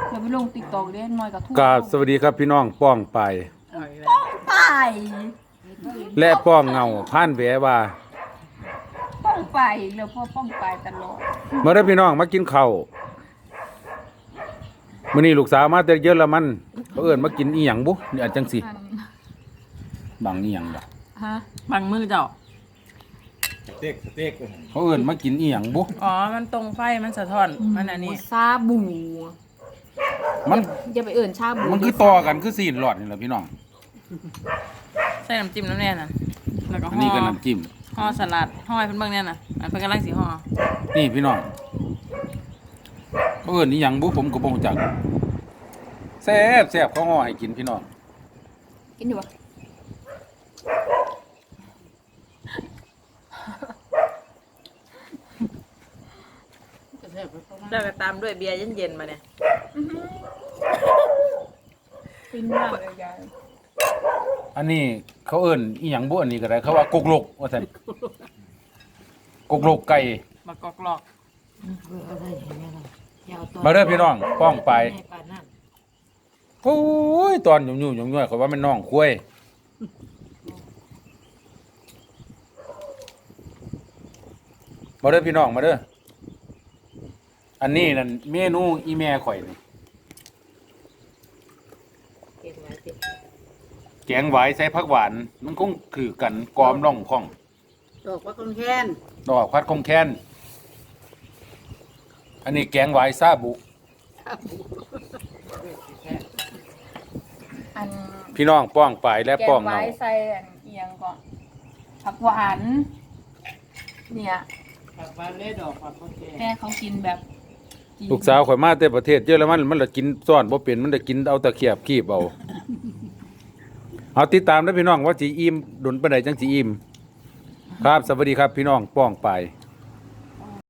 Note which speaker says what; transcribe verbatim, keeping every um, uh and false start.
Speaker 1: เดี๋ยวไปลงติ๊กต็อกเด้น้อยกับทุก
Speaker 2: กราบสวัสดีครับพี่น้องป้องไป
Speaker 1: ป้องไป
Speaker 2: และป้องเงาผ่านแหวว่า
Speaker 1: ป้องไปแล้วพ่อป้องไปตลอด
Speaker 2: เมื่อได้พี่น้องมากินข้าวมื้อนี้ลูกสาวมาแต่เยอะละมันเขาเอิ้นมากินอีหยังบุนี่อันจังสิบังอีหยังบ่
Speaker 1: ฮะ
Speaker 3: บังมือเจ้า
Speaker 4: สเต็กสเต็ก
Speaker 2: เขาเอิ้นมากินอีหยังบุ
Speaker 3: อ๋อ มันตรงไฟ มันสะท้อน มันอันนี้
Speaker 1: ซาบู
Speaker 2: มัน
Speaker 1: อย่าไปเอิ่นชาบู
Speaker 2: มันคือต่อกันคือซีนหลอดนี่แหละพี่น้อง
Speaker 3: ใส่น้ำจิ้มน้ำแน่น่ะ แล้วก็
Speaker 2: อัน
Speaker 3: ห่
Speaker 2: นี้
Speaker 3: อ
Speaker 2: ก็น้ำจิ้ม
Speaker 3: ห่อสลัดห่อให้เพิ่นเบิ่งแน่น่ะ อันเพิ่นกำลังสิห่อ
Speaker 2: นี่พี่น้องเขาเอิ้นอีหยังบุผมก็บ่รู้จักแซ่บแซ่บเขาห่อให้กินพี่น้อง
Speaker 1: กินอยู่ปะ
Speaker 3: แล้วก็ตามด้วยเบียร์เย็นๆมาเนี่ย
Speaker 1: ฟินมากเลยยาย
Speaker 2: อันนี้เขาเอิ้นอีหยังบุอันนี้ก็ได้เขาว่ากกลกว่าซั่นกกลกไก่
Speaker 3: มากอกหลอก
Speaker 2: มาเด้อพี่น้องป้องไปโอ้ยตอนยุ่งๆยุ่งๆเขาว่ามันน้องคุ้ยมาเด้อพี่น้องมาเด้ออันนี้นั่นเมนูอีแม่ข่อยนี่แกงหวายใส่ผักหวานมันคงคือกันกอมร่องข้อง
Speaker 5: ดอกว่าคงแค้น
Speaker 2: ดอกพัดคงแค้นอันนี้แกงหวายซาบุ
Speaker 1: อัน
Speaker 2: พี่น้องป้องไปและ
Speaker 1: แก
Speaker 2: ป้อง
Speaker 1: ง
Speaker 2: เงา
Speaker 1: ไว้ใส่อันเอียงก่อนผักหวาน เนี่ย
Speaker 5: แบบว่าเล่ดอกผักคงแค้น
Speaker 1: แม่เขากินแบบจีน
Speaker 2: ลูกสาวข่อยมาแต่ประเทศเยอรมันมันละกินซ่อนบ่เป็นมันจะกินเอาตะเขียบคีบเอาเอาติดตามนะพี่น้องว่าสิอิ่มดุนปานใดจังสิอิ่มครับสวัสดีครับพี่น้องป้องไป